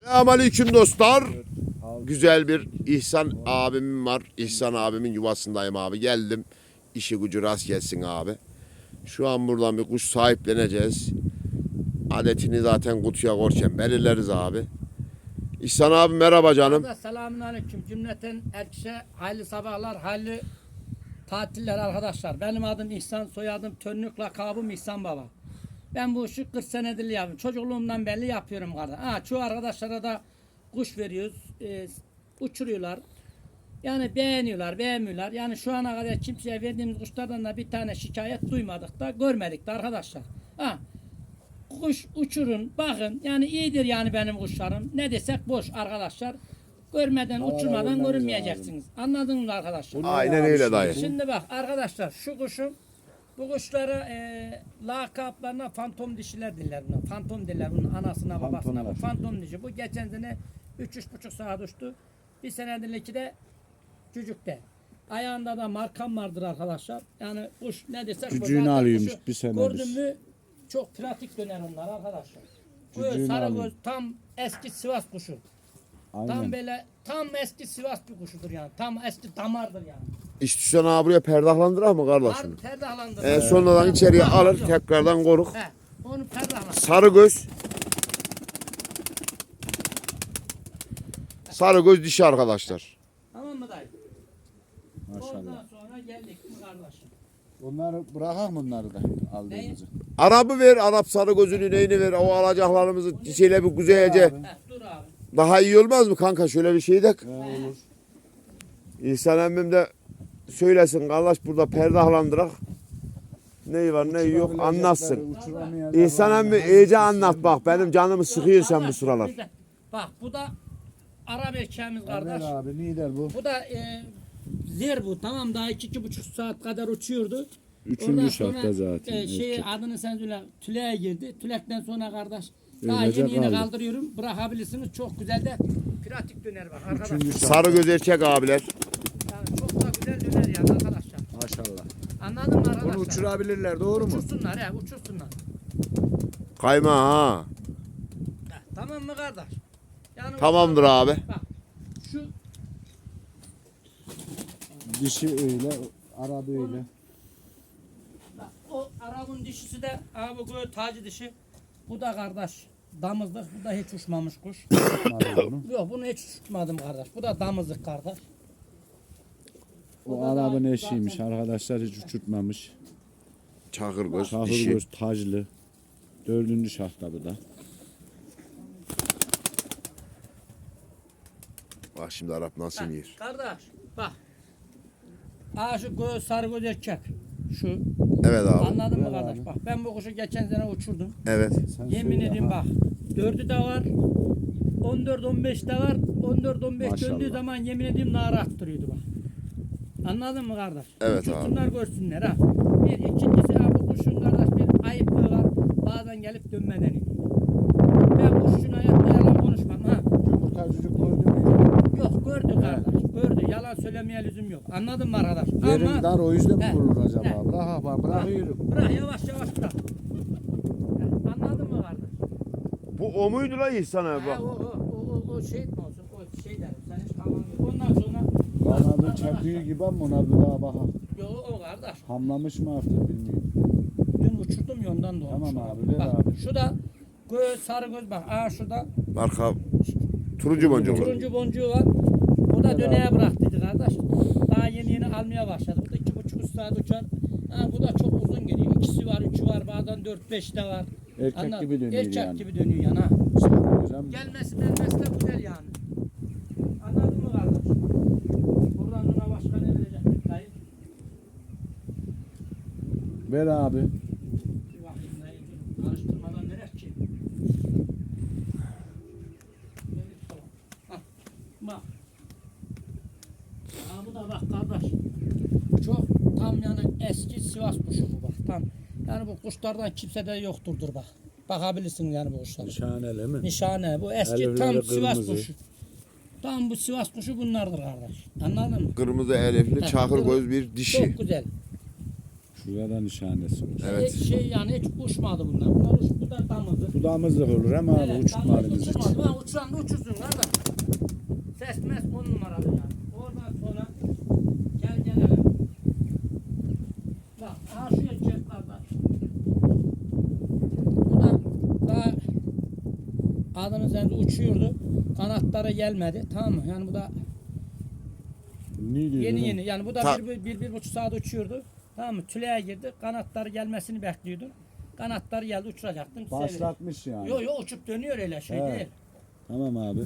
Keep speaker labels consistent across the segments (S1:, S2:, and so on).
S1: Selamünaleyküm dostlar. Güzel bir İhsan abimim var. İhsan abimin yuvasındayım abi. Geldim. İşi gücü rast gelsin abi. Şu an buradan bir kuş sahipleneceğiz. Adetini zaten kutuya korken belirleriz abi. İhsan abi merhaba canım.
S2: Selamünaleyküm cümleten herkese hayırlı sabahlar, hayırlı tatiller arkadaşlar. Benim adım İhsan, soyadım Tönlük, lakabım İhsan Baba. Ben bu işi 40 senedir yapıyorum. Çocukluğumdan belli yapıyorum kardeş. Çoğu arkadaşlara da kuş veriyoruz. Uçuruyorlar. Yani beğeniyorlar, beğenmiyorlar. Yani şu ana kadar kimseye verdiğimiz kuşlardan da bir tane şikayet duymadık da görmedik de arkadaşlar. Kuş uçurun, bakın. Yani iyidir yani benim kuşlarım. Ne desek boş arkadaşlar. Görmeden, uçurmadan görünmeyeceksiniz. Anladınız mı arkadaşlar?
S1: Aynen öyle dayı.
S2: Şimdi bak arkadaşlar şu kuşum, bu kuşları lakaplarına fantom dişiler diller buna. Fantom diller bunun anasına babasına. Bu fantom dişi. Bu geçen sene 3,5 saat uçtu. Bir senedir de cücükte. Ayağında da markam vardır arkadaşlar. Yani kuş ne desek
S3: Cücüğünü alıyormuş bir senedir.
S2: Gördün mü çok pratik döner onlar arkadaşlar. Bu sarı göz tam eski Sivas kuşu.
S3: Aynen.
S2: Tam böyle tam eski Sivas bir kuşudur yani. Tam eski damardır yani.
S1: İstiyorsan abi buraya perdahlandırar mı kardeşim?
S2: Perdahlandır.
S1: Sonradan içeriye alır tekrardan koruk.
S2: Onu perdahlandır.
S1: Sarı göz. Sarı göz dişi arkadaşlar.
S2: Tamam mı dayı?
S3: Maşallah.
S2: Ondan sonra geldik mi kardeşim?
S3: Onları bırakak mı onları da aldığımızı?
S1: Arabı ver, Arap sarı gözünü neyini ver. O alacaklarımızı şeyle bir güzelce.
S2: Dur abi.
S1: Daha iyi olmaz mı kanka? Şöyle bir şey de.
S3: Olur.
S1: İhsan emmim de söylesin kardeş burada perdahlandırak. Neyi var neyi yok anlatsın. İhsan emmi iyice anlat bak benim canımı sıkıyor sen bu sıralar.
S2: Bak bu da Arap erkeğimiz kardeş.
S3: Abi nider bu?
S2: Bu da zer bu tamam daha 2,5 saat kadar uçuyordu.
S3: Üçüncü
S2: Ondan
S3: şartta
S2: sonra,
S3: zaten.
S2: Şey adını sen söyle tüleye girdi. Tülekten sonra kardeş daha
S3: Öylece
S2: yeni
S3: kaldı.
S2: kaldırıyorum. Bırakabilirsiniz. Çok güzel de pratik döner bak arkadaşlar.
S1: Sarı göz erkek abiler.
S2: Yani çok da güzel döner yani arkadaşlar.
S3: Maşallah.
S2: Anladın mı arkadaşlar?
S3: Bunu uçurabilirler doğru mu?
S2: Uçursunlar he uçursunlar.
S1: Kayma ha.
S2: Tamam mı kardeş? Yani
S1: Tamamdır abi.
S2: Bak şu
S3: Dişi öyle, Arabı öyle.
S2: bak, o Arap'ın dişisi de abi bu tacı dişi. Bu da kardeş damızlık. Bu da hiç uçmamış kuş. Yok bunu hiç uçmadım kardeş. Bu da damızlık kardeş.
S3: O Arabın eşiymiş arkadaşlar, hiç uçurtmamış.
S1: Çakır göz
S3: Çahır
S1: dişi.
S3: göz, taclı. 4. şartta bu da.
S1: Bak şimdi Arap nasıl
S2: Bak,
S1: yer.
S2: kardeş bak. Şu göz sarı göz erkek. Şu.
S1: Evet abi.
S2: Anladın mı
S3: Evet
S2: kardeş?
S3: abi.
S2: Bak ben bu kuşu geçen sene uçurdum.
S1: Evet.
S3: Sen
S2: Yemin
S3: söyle,
S2: edeyim
S3: ha.
S2: bak. 4'ü de var. 14-15 de var. 14-15
S3: Maşallah.
S2: döndüğü zaman yemin edeyim nara attırıyordu bak. Anladın mı kardeş?
S1: Evet
S2: Uçursunlar görsünler ha. Bir ikincisi ha bu kuşun kardeş bir ayıplığı var. Bazen gelip dönmeden iniyor. Ben kuşun hayatta yalan konuşmam ha.
S3: Yumurta çocuk gördün mü?
S2: Yok gördü kardeş. Gördü. Yalan söylemeye lüzum yok. Anladın mı arkadaş?
S3: Yerin dar o yüzden
S2: He,
S3: mi vurur acaba?
S2: he.
S3: Bırak bak, bırakıyorum.
S2: Bırak yavaş yavaş bırak. Anladın mı kardeş?
S1: Bu o muydu lan İhsan abi bak.
S2: O şey mi olsun? O şey derim. Sen hiç tamam yok. Ondan sonra
S3: Kanadı çakıyor gibi ama ona bir daha bakalım.
S2: yok o kardeş.
S3: Hamlamış mı artık bilmiyorum.
S2: Dün uçurdum ya ondan doğmuş.
S3: Tamam abi, ver
S2: Bak,
S3: abi.
S2: şu da göz sarı göz bak. Şurada
S1: Marka turuncu boncuklu.
S2: turuncu boncuğu var. O da döneye bıraktıydı kardeş. Daha yeni almaya başladı. Bu da 2,5 saat uçar. Bu da çok uzun geliyor. 2'si var, 3'ü var, bazen 4-5 de var.
S3: Erkek
S2: Anladın?
S3: gibi dönüyor
S2: Erkek
S3: yani.
S2: gibi dönüyor yani ha.
S3: Hocam,
S2: Gelmesi de güzel yani. Anladın mı kardeş? Buradan ona başka ne verecek? Dayı.
S3: ver abi.
S2: Bir bakayım dayı. Karıştırmadan verer ki. Hah, bak. Bu da bak kardeş. Çok tam yani eski Sivas kuşu bu bak. Tam. Yani bu kuşlardan kimsede yokturdur bak. Bakabilirsin yani bu kuşlara.
S3: Nişaneli mi?
S2: Nişane bu eski
S3: Elifleri
S2: tam Sivas
S3: kırmızı.
S2: kuşu. Tam bu Sivas kuşu bunlardır kardeş. Anladın mı?
S1: Kırmızı elifli çakır göz bir dişi.
S2: Çok güzel.
S3: Şurada nişanesi var.
S1: Evet.
S2: Hiç yani hiç uçmadı bunlar. Bunlar bu da damızdı.
S3: Bu damızlık olur ama abi uçmalarımız için.
S2: Ben uçuran da uçursun kardeş. Ses mes 10 numaralı yani. Oradan sonra gelelim. Bak aha şu erkek kardeş. Bu da daha adının üzerinde uçuyordu. Kanatları gelmedi. Tamam mı? Yani bu da
S3: Ne diyor
S2: yeni
S3: lan?
S2: yeni. Yani bu da
S1: Ta-
S2: bir buçuk saat uçuyordu. Tamam mı? Tüleye girdi. Kanatları gelmesini bekliyordum. Kanatları geldi uçuracaktım.
S3: Başlatmış yani.
S2: Yo uçup dönüyor öyle şey
S3: Evet.
S2: değil.
S3: Tamam abi.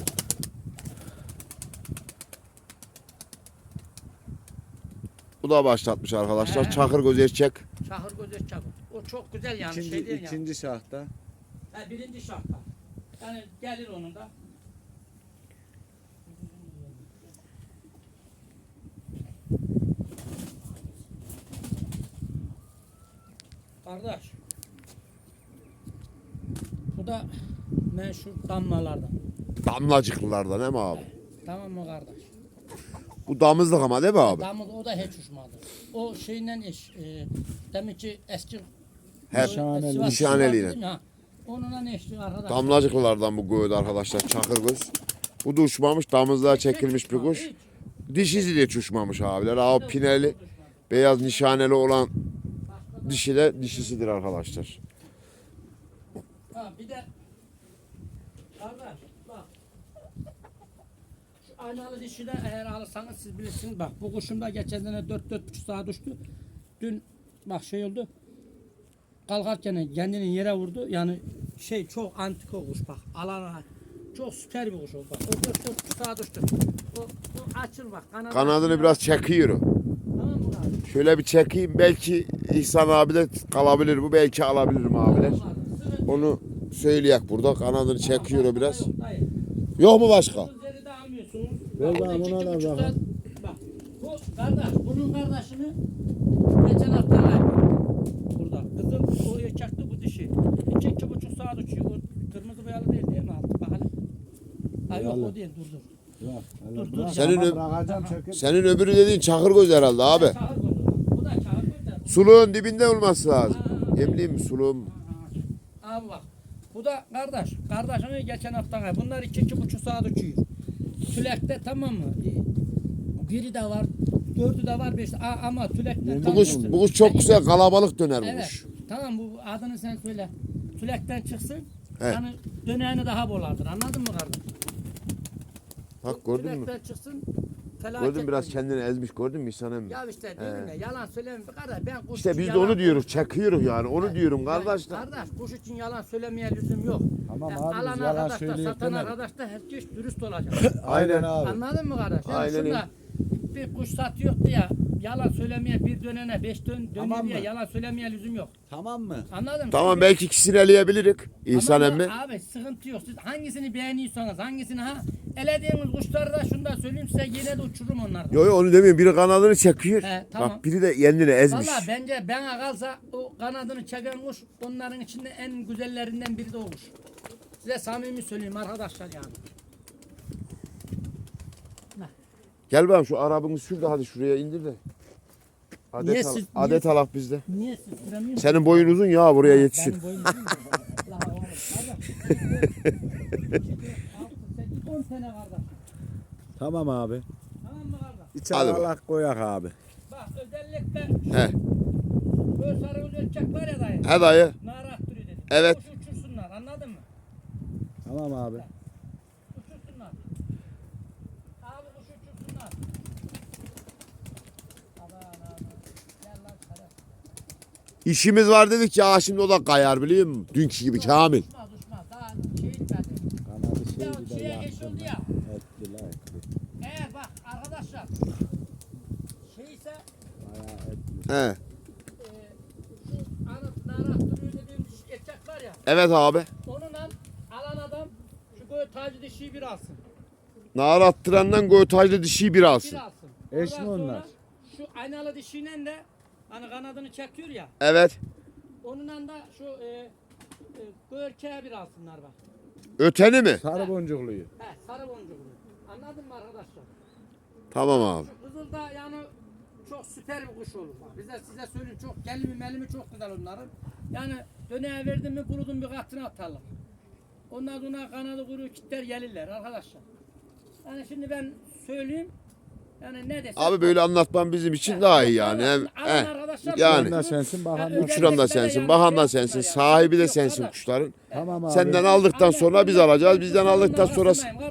S1: Bu da başlatmış arkadaşlar.
S2: He.
S1: Çakır göz erkek.
S2: Şahır göz çabuk. O çok güzel yani
S3: İkinci,
S2: şey değil yani.
S3: ikinci şahta.
S2: Ha, birinci şartta. Yani gelir onun da. Kardeş. Bu da meşhur damlalardan.
S1: Damlacıklılardan değil mi abi?
S2: Tamam mı kardeş?
S1: Bu damızlık ama değil mi abi?
S2: Damız o da hiç uçmadı. O şeyle eş, demek ki eski
S1: Hep
S3: Nişaneli.
S2: Sivas-
S1: nişaneliyle.
S2: Sivas dedim ya, onunla eşli arkadaş.
S1: Damlacıklılardan bu göğüt arkadaşlar çakır göz. Bu da uçmamış damızlığa çekilmiş bir kuş. Dişisi de hiç uçmamış abiler. Abi pineli beyaz nişaneli olan dişi de dişisidir arkadaşlar.
S2: Ha bir de kardeş bak. Şu aynalı dişi de eğer alırsanız siz bilirsiniz. Bak bu kuşum da geçen sene 4-4,5 saat uçtu. Dün bak şey oldu. Kalkarken kendini yere vurdu. Yani şey çok antik o kuş bak. Alana çok süper bir kuş oldu. Bak. O 4,5 saat uçtu. O açıl bak.
S1: Kanadını biraz çekiyor.
S2: Tamam mı abi?
S1: Şöyle bir çekeyim belki İhsan abi de kalabilir bu belki alabilirim abiler. Onu söyleyek burada kanadını çekiyor o biraz.
S2: Hayır.
S1: Yok mu başka?
S2: Üzeri de almıyorsunuz.
S3: Ver
S2: Bak,
S3: bana,
S2: iki
S3: buna da
S2: buçuk
S3: bakalım.
S2: saat- Bak bu kardeş bunun kardeşini geçen hafta kaybettim. Burada. Kızım o erkekti bu dişi. 2,5 saat uçuyor. O kırmızı boyalı değil mi altı? Bak hele. Ha yok
S3: Boyalı.
S2: o değil dur.
S3: Bırak.
S2: Dur, dur.
S3: Bırak.
S1: Senin
S3: Ama
S1: ö-
S3: bırakacağım çekip.
S1: Senin öbürü dediğin çakır göz herhalde abi.
S2: Çağır koydu. Bu da çağır koydu.
S1: Suluğun dibinde olması lazım. Yemliyim mi suluğum?
S2: Abi bak. Bu da kardeş. Kardeşini geçen hafta kaybettim. Bunlar 2,5 saat uçuyor. Tülekte tamam mı? Biri de var. 4'ü de var 5 ama tülekten
S1: Bu kuş, bu kuş çok güzel kalabalık döner bu
S2: Evet.
S1: kuş.
S2: Tamam bu adını sen söyle. Tülekten çıksın.
S1: Evet.
S2: Yani döneğini daha bolardır. Anladın mı kardeşim?
S1: Bak gördün mü?
S2: Tülekten çıksın. Felaket
S1: Gördün mü biraz
S2: olur.
S1: kendini ezmiş gördün mü İhsan emmi?
S2: Ya işte diyorum ya yalan söyleme kardeş. Ben kuş
S1: İşte
S2: için
S1: biz de
S2: yalan-
S1: onu diyoruz çekiyoruz yani onu diyorum
S2: Ya
S1: kardeşler.
S2: Kardeş kuş için yalan söylemeye lüzum yok.
S3: Tamam
S2: Ya
S3: abi, biz
S2: alan
S3: yalan
S2: arkadaş da
S3: söyleyip
S2: satan
S3: demedik.
S2: arkadaş da herkes dürüst olacak.
S3: Aynen abi.
S2: Anladın mı kardeş? Yani
S1: Aynen
S2: şunda bir kuş satıyor ya yalan söylemeye bir dönene 5 dönüyor
S3: Tamam
S2: diye
S3: mı?
S2: yalan söylemeye lüzum yok.
S3: Tamam mı?
S2: Anladın mı?
S1: Tamam
S2: Şimdi-
S1: belki ikisini eleyebilirik İhsan
S2: Ama
S1: emmi.
S2: Abi sıkıntı yok. Siz hangisini beğeniyorsanız hangisini elediğiniz kuşları da şunu da söyleyeyim size yine de uçururum onlardan.
S1: Yo yo onu demiyorum biri kanadını çekiyor.
S2: He, tamam.
S1: Bak biri de kendini ezmiş.
S2: Valla bence bana kalsa o kanadını çeken kuş onların içinde en güzellerinden biri de o kuş. Size samimi söyleyeyim arkadaşlar yani.
S1: Gel bakalım şu arabını sür de hadi şuraya indir de.
S2: Niye
S1: Adet,
S2: siz-
S1: adet alak bizde.
S2: Niye siz süremiyorsunuz?
S1: Senin boyun uzun ya buraya yetişir.
S2: Benim boyum uzun mu? La oğlum, kardeş. 10 sene kardeş.
S3: Tamam abi.
S2: Tamam mı kardeş?
S3: İçe
S1: Hadi
S3: alak koyak abi.
S2: Bak özellikle
S1: He.
S2: böyle sarı göz erkek var ya dayı.
S1: He dayı.
S2: Nara attırıyor dedim.
S1: Evet.
S2: Kuşu uçursunlar anladın mı?
S3: Tamam abi.
S2: Uçursunlar. Abi kuş uçursunlar. Aman aman. Gel lan sarı.
S1: İşimiz var dedik ya şimdi o da kayar biliyor musun? Dünkü gibi Kamil.
S2: Uçmaz uçmaz. Daha şey etmedi.
S3: Kanadı
S2: Ya
S3: şeydi de
S2: şeye geç oldu ya.
S3: Ettiler etti.
S2: Eğer bak arkadaşlar. Şeyse
S3: Bayağı etti.
S1: He.
S2: şu nara attırıyor dediğim erkek var ya.
S1: Evet abi.
S2: Onunla alan adam şu böyle tacı dişiyi bir alsın.
S1: Nar attırandan göğütaclı dişiyi bir
S2: Bir
S1: alsın.
S2: alsın.
S3: Eş
S2: Ondan
S3: mi onlar?
S2: sonra Şu aynalı dişiyle de hani kanadını çekiyor ya.
S1: Evet.
S2: Onunla da şu erkeğe bir alsınlar bak.
S1: Öteni mi?
S3: Sarı boncukluyu.
S2: He sarı boncuklu. Anladın mı arkadaşlar?
S1: Tamam abi.
S2: Şu kızıl da yani çok süper bir kuş olur. Bak. Bize size söyleyeyim çok gelimi melimi çok güzel onların. Yani döneğe verdim mi kurudum bir katına atarlar. Ondan sonra kanadı kuru kitler gelirler arkadaşlar. Yani şimdi ben söyleyeyim. Yani ne desem.
S1: Abi böyle anlatman bizim için daha iyi yani. Yani.
S3: Uçuran da sensin, bakan da.
S1: Uçuran da sensin, bakan da sensin, sahibi de sensin kuşların.
S3: Tamam abi.
S1: Senden aldıktan sonra biz alacağız, bizden aldıktan sonra...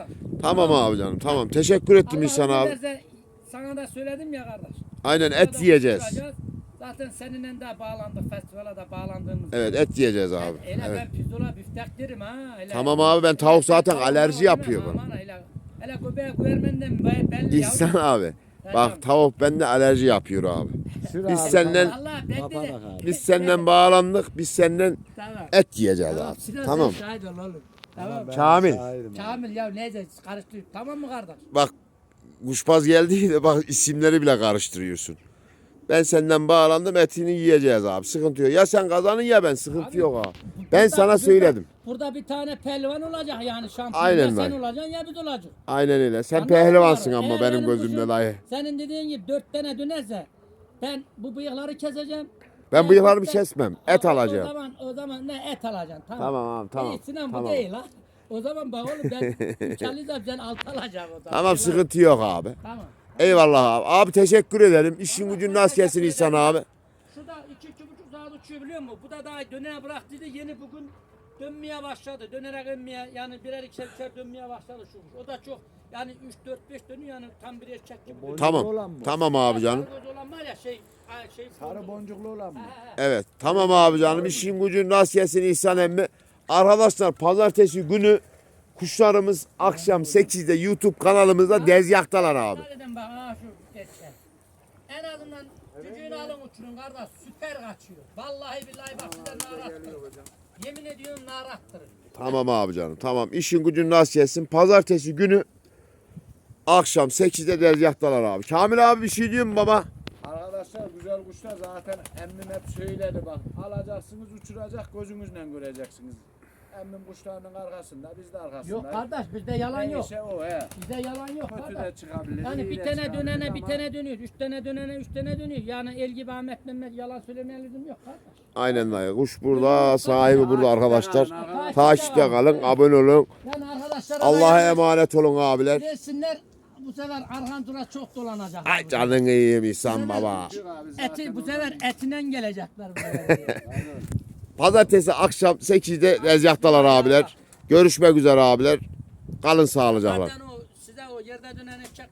S1: Tamam abi canım, tamam. Teşekkür ettim İhsan abi.
S2: Sana da söyledim ya kardeş.
S1: Aynen et yiyeceğiz.
S2: Zaten seninle de bağlandık, festivale de bağlandığımız.
S1: Evet et yiyeceğiz abi.
S2: Öyle
S1: Evet.
S2: ben pirzola büftek derim ha. Öyle.
S1: Tamam abi ben tavuk zaten alerji yapıyor bana.
S2: Aman hele göbeğe güvermenden belli ya.
S1: İhsan abi. Bak tavuk bende alerji yapıyor abi.
S3: Sür
S1: Biz
S3: abi,
S1: senden-
S3: tamam.
S2: Allah ben
S3: Kapanak
S2: de.
S3: abi.
S1: Biz senden bağlandık, biz senden
S2: Tamam.
S1: et yiyeceğiz abi.
S2: Sinan
S1: Tamam.
S2: sen şahit ol oğlum. Tamam.
S3: Ben
S1: Kamil.
S3: şahidim abi.
S2: Kamil ya neyse karıştır. Tamam mı kardeş?
S1: Bak kuşbaz geldi de bak isimleri bile karıştırıyorsun. Ben senden bağlandım etini yiyeceğiz abi. Sıkıntı yok. Ya sen kazanın ya ben sıkıntı
S2: Abi,
S1: yok abi. Ben
S2: Burada-
S1: sana söyledim.
S2: Burada bir tane pehlivan olacak yani şampiyon.
S1: Aynen
S2: ya sen
S1: dayı.
S2: olacaksın ya biz olacak.
S1: Aynen öyle. Sen
S2: Anladın mı
S1: pehlivansın
S2: abi?
S1: ama
S2: Eğer
S1: benim
S2: benim
S1: gözümde
S2: kuşum-
S1: dayı.
S2: Senin dediğin gibi 4 tane dönerse ben bu bıyıkları keseceğim.
S1: Ben bıyıklarımı
S2: Ben-
S1: kesmem. Et alacağım.
S2: O zaman ne et alacaksın tamam.
S1: Tamam abi tamam.
S2: İyi, Sinan bu
S1: Tamam.
S2: değil ha. O zaman bak oğlum ben 3 alacağım sen 6 alacaksın o zaman.
S1: Tamam sıkıntı yok abi.
S2: Tamam.
S1: Eyvallah abi. Abi teşekkür ederim. İşin gücün nasıl gelsin İhsan abi?
S2: Şurada 2-2,5 saat uçuyor biliyor musun? Bu da daha dönere bıraktıydı yeni bugün dönmeye başladı. Dönerek dönmeye yani birer ikişer dönmeye başladı şu kuş. O da çok yani 3-4-5 dönüyor yani tam bir erkek gibi. dönüyor.
S1: Tamam.
S3: olan mı?
S1: Tamam abi canım.
S2: Sarı göz olan var ya şey
S3: Sarı boncuklu olan mı?
S1: Evet. Tamam abi canım. İşin gücün nasıl gelsin İhsan emmi? Arkadaşlar pazartesi günü kuşlarımız akşam 8'de YouTube kanalımızda dezyaktalar abi.
S2: Dedim bak ha şu geçen. En azından cücüğünü alın uçurun kardeş süper kaçıyor. Vallahi billahi bak size narattır. Yemin ediyorum narattırır.
S1: Tamam abi canım. Tamam. İşin gücün nasıl gelsin? Pazartesi günü akşam 8'de dezyaktalar abi. Kamil abi bir şey diyor mu baba?
S3: Arkadaşlar güzel kuşlar zaten emmim hep söyledi bak. Alacaksınız uçuracak gözünüzle göreceksiniz. Emmim kuşlarının arkasında biz de arkasında.
S2: Yok kardeş bizde yalan yok.
S3: Neyse o he.
S2: Bizde yalan yok
S3: Kötü de
S2: kardeş.
S3: çıkabilir.
S2: Yani
S3: iyi
S2: bir
S3: de
S2: tane
S3: çıkabilir
S2: dönene bir
S3: ama
S2: tane dönüyor. 3 tane dönene 3 tane dönüyor. Yani el gibi Ahmet Mehmet yalan söylemeye lüzum yok kardeş.
S1: Aynen dayı. Kuş burada, sahibi burada arkadaşlar.
S3: Takipte
S1: Takipte kalın, abone olun.
S2: Yani arkadaşlara
S1: Allah'a emanet olun abiler.
S2: Versinler bu sefer Arhantur'a çok dolanacak.
S1: Ay canın iyiyim İhsan baba.
S3: Çık abi, zaten
S2: Eti bu
S3: o-
S2: sefer etinden gelecekler buraya.
S1: Pazartesi akşam 8'de dezyaktalar abiler. Görüşmek üzere abiler. Kalın sağlıcakla.
S2: Zaten o size o yerde dönen eşek